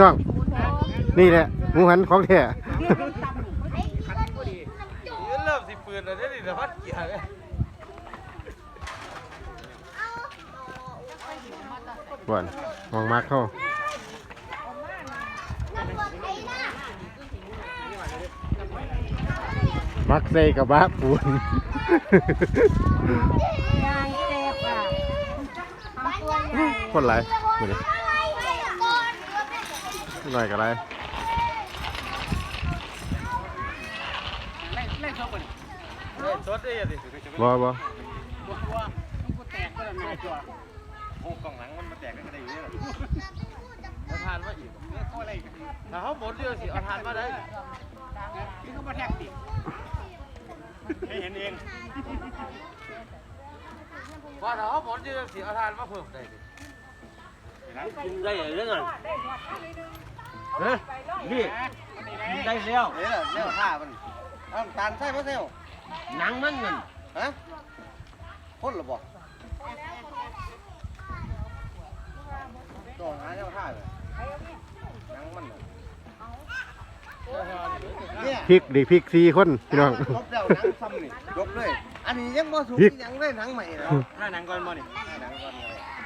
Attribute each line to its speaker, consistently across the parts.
Speaker 1: ต้องนี่แหละหมูหันของแท้
Speaker 2: เริ่มสิปืนแล้วนี่แต่พัดเกียร์เลย
Speaker 1: ก่อนมองมากเข้ามักใส่กับบ้าปูนคนไรดูดิหน่อยกับไร
Speaker 2: ชดได้ยังดิ
Speaker 1: บ่
Speaker 2: โอ้กล่องหลังมันแตกกันได้อยู่เนี่ยเอาทานมาอีกถ้าเขาหมดเรื่องสิเอาทานมาได้นี่เขามาแท็กติให้เห็นเองว่าถ้าเขาหมดเรื่องสิเอาทานมาเพิ่มได้ได้เรื่องอะไรเฮ้ยนี่ได้แล้วเนี่ยข้ามันตาลใช่ไหมเซลหนังมันเงินฮะพ่นหรือเปล่าตัวหาเจ้าท่าเลยนังมัน
Speaker 1: พริกดิพริก4 คนพี่น้อง
Speaker 2: ลบแล้วนังซ้ำนี่ลบเลยอันนี้ยังบ่สูงยังได้นังใหม่แล้วถ้านังก่อนบ่นี่นังก่อน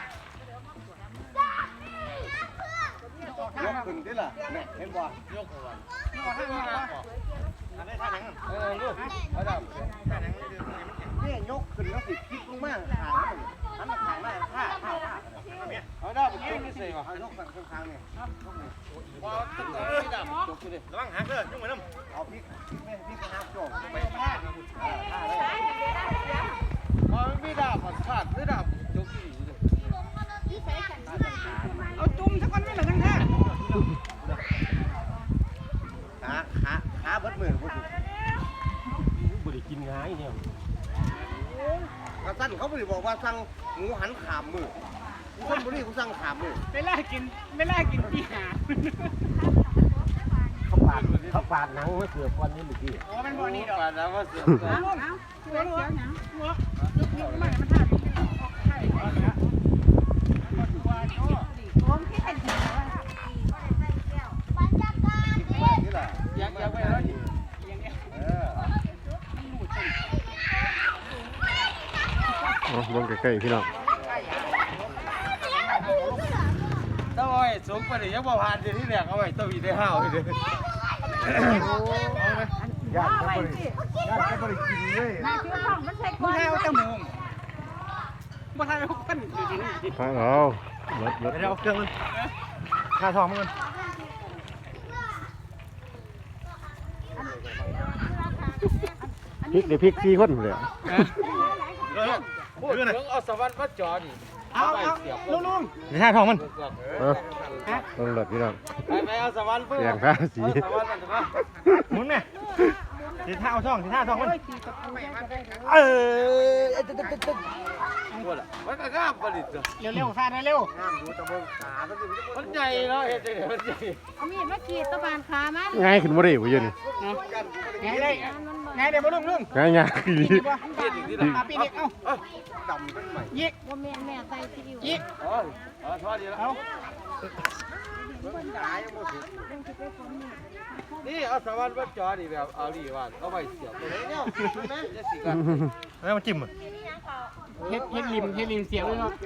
Speaker 2: ยกขึ้นดิล่ะเนี่ยเห็นบ่ยกก่อนท่านังอันนี้ท่านังลูกเอาดำท่านังนี่ยกขึ้นแล้วสิพลิกลงมาหางมันหางได้ท่าเอาได้ผมกินนี่สิวะยกฝั่งข้างๆเนี่ยว้าวตึ๊ดพี่ดำจบเลยระวังหักเลยยุ่งเหมือนน้ำเอาพริกหักจบไปท่าได้เอาพี่ดำผัดขาดพี่ดำจบที่เลยเอาจุ่มสักคนไม่เหลือทั้งท่าขาเบิดมือพูดบริกินง่ายเนี่ยกระสั้นเขาบริบอกว่าสั่งหมูหันขามมือคนบุรีเขาสั่งขามมือไม่ล่ากินปีหาเขาปาดหนังมาเสือก้อนนี้หรือกี่โอ้มันบ่อนี้ดอกปาดหนังมาเสือเอาเสือหนังหัวยุบมันท่าใช่ผมคิดเป็นหัวยังไม่แล้วดิ
Speaker 1: ลงใกล้ๆพี่น้อง
Speaker 2: ต้องไอ้สูงไปเลยยังบ่ผ่านที่แรกเอาไว้ต้องมีได้ห้าวเลยย่างก็บริกินเลยมึงให้เอาตั้งมุมบ่ให้เอากันจริง
Speaker 1: ๆเอาลด
Speaker 2: เอาเครื่องมันค่าทองมัน
Speaker 1: พริกดิพริก4 คนเลย
Speaker 2: พูดถึงเอาสวรรค์มาจอดิเอาลุง
Speaker 1: นี่ท่าทองมันลงหลดพี่น้อง
Speaker 2: ไปเอาสวรรค์เพื่อ
Speaker 1: อย่างท่าสี
Speaker 2: มุนไหมสีท่าเอาท่องมันมันก็งามประดิษฐ์
Speaker 3: เร็วๆท่าเร็ว
Speaker 2: งามดูตะเบิงขามันใหญ่เนาะเห็นไหมมันใหญ่
Speaker 4: เอามีดมาขีดตะบานขามัน
Speaker 1: ง่ายขึ้นบ่ได้บ่ยืน
Speaker 3: ไงได้บ่ลุง
Speaker 1: ง่ายดี
Speaker 3: ปีนี้เอา
Speaker 2: ดำเป็นใหม่
Speaker 3: ยิก
Speaker 4: ว่าแม่ใส่ซีอิ๊ว
Speaker 3: ยิก
Speaker 2: ทอดดีแล้วนี่เอาสวรรค์มาจอดิแบบเอาดีว่าเอาไปเสียบตรงนี้เนี่ยจะสีกัน
Speaker 1: แล้วมันจิ้ม
Speaker 3: เฮ็ดริมเสียบเลยเนาะ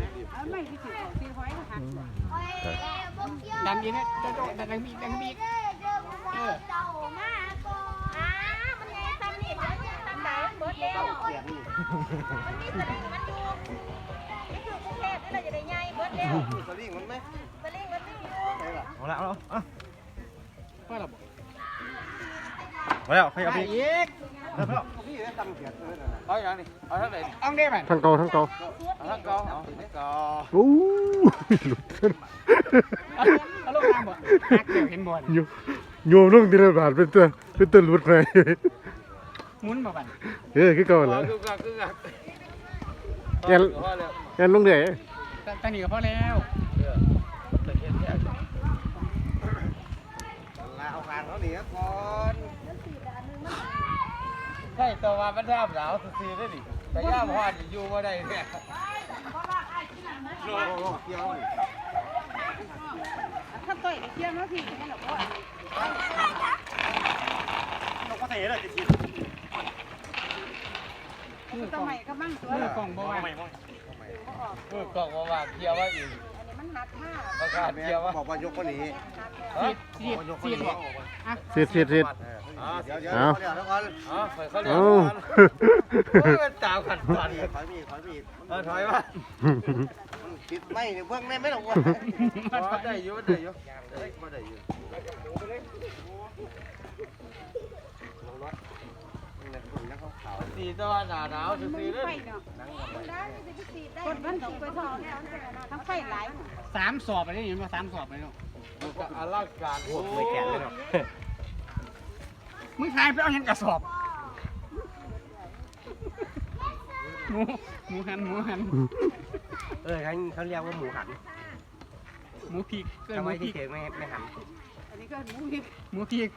Speaker 3: ดันอีกนะดันมี
Speaker 4: มันไงทำนี่ทำไหนเบิดแล้วมันมีสลิงมันดูนี่คือกรุงเทพนี่เราจะได้ใหญ่เบิดแล้ว
Speaker 2: สลิงมันไหม
Speaker 4: สลิงมันไม่อยู่
Speaker 1: เอาละ
Speaker 3: ว่าเราบอก
Speaker 1: มาแล้วใครเอาไป
Speaker 3: อีก
Speaker 2: นี่ได้ตังเสียเลยเอาอย่างนี้เอาทั้งไหน
Speaker 3: เอาได้ไหม
Speaker 1: ทั้งเก่า
Speaker 2: เอาทั้งเก่า
Speaker 1: โอ้หลุด
Speaker 3: เอาลูกน้ำบ่หักเดี๋ยวเห็นบ่
Speaker 1: โยมลงทีละบาทเป็นตัวหลุดไป
Speaker 3: หมุนบ่บัน
Speaker 1: คือก่อนแล้วแกลงเดือย
Speaker 3: ตอนนี้ก็พอแล้ว
Speaker 2: เอาการเขาหนีก่อนใช่ตัวมาเป็นท่าสาวซีได้ดิแต่ย่าพอดอยู่มาได้เนี่ยโลเกี่ยว
Speaker 4: ต่อยเที่ยงแล้วพี่นี่หรอพ่อน
Speaker 2: กก็ใส่เลยจะกิน
Speaker 4: ทำไมก็มั่งตัว
Speaker 3: มือกล่องบ่ว่า
Speaker 2: ไม่
Speaker 5: มือกล่องว่าเกียร์ว่าอีก
Speaker 4: อันนี้มันหักมาก
Speaker 5: ประกาศเกียร์ว่า
Speaker 2: บอกว่ายกคนนี้
Speaker 3: สีดบอกอ่ะ
Speaker 1: สิ
Speaker 2: เดี๋ยวเดี๋ยวก่อน
Speaker 5: อ๋อเขาเรียก
Speaker 1: เอา
Speaker 5: ว่าตามขันฝัน
Speaker 2: ถอยมีดถอยมีด
Speaker 5: ถอยมา
Speaker 2: ติดไม่เนี่ยเบื้องไม่หรอกวะ
Speaker 5: ได้อยู่ได้อยู่ได้อยู่ สีตัวหนาหนาวสีเลย
Speaker 4: คนมันต้องไปทอเนี่ยทั้งไฟหลาย
Speaker 3: 3 สอบไปได้ยินว่า3 สอบไปเนาะ
Speaker 5: ก็อลังการ
Speaker 2: โอ้ไม่แก่เลยเนาะ
Speaker 3: มึงทายไปเอาหยังกระสอบหมูหัน
Speaker 2: เขาเรียกว่าหมูหัน
Speaker 3: หมูพริกเกิน
Speaker 2: ทำ
Speaker 3: ห
Speaker 2: ไม
Speaker 3: มูพริ
Speaker 2: ที่
Speaker 3: ก
Speaker 2: เฉยไม่หัน
Speaker 4: อันนี้ก็หมูพริก
Speaker 3: หมูพริก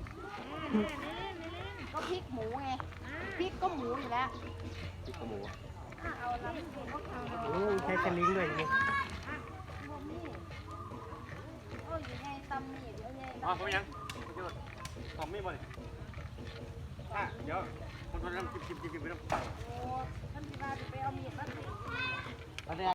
Speaker 4: ก็พริกหมูไงพริกก็หมูอยู่แล้ว
Speaker 2: ที่หมู
Speaker 4: เอาละเอา
Speaker 2: ใช้สลิงด้วยนี่
Speaker 4: โอ้ยอยู่ในตำนี่เดี๋ยวไง
Speaker 2: อ๋อผมยังทำไม่หมดเดี๋ยวคนทำจิบไปต้อง
Speaker 4: โอ้ท่านที่ว่าจะไปเอามีดมา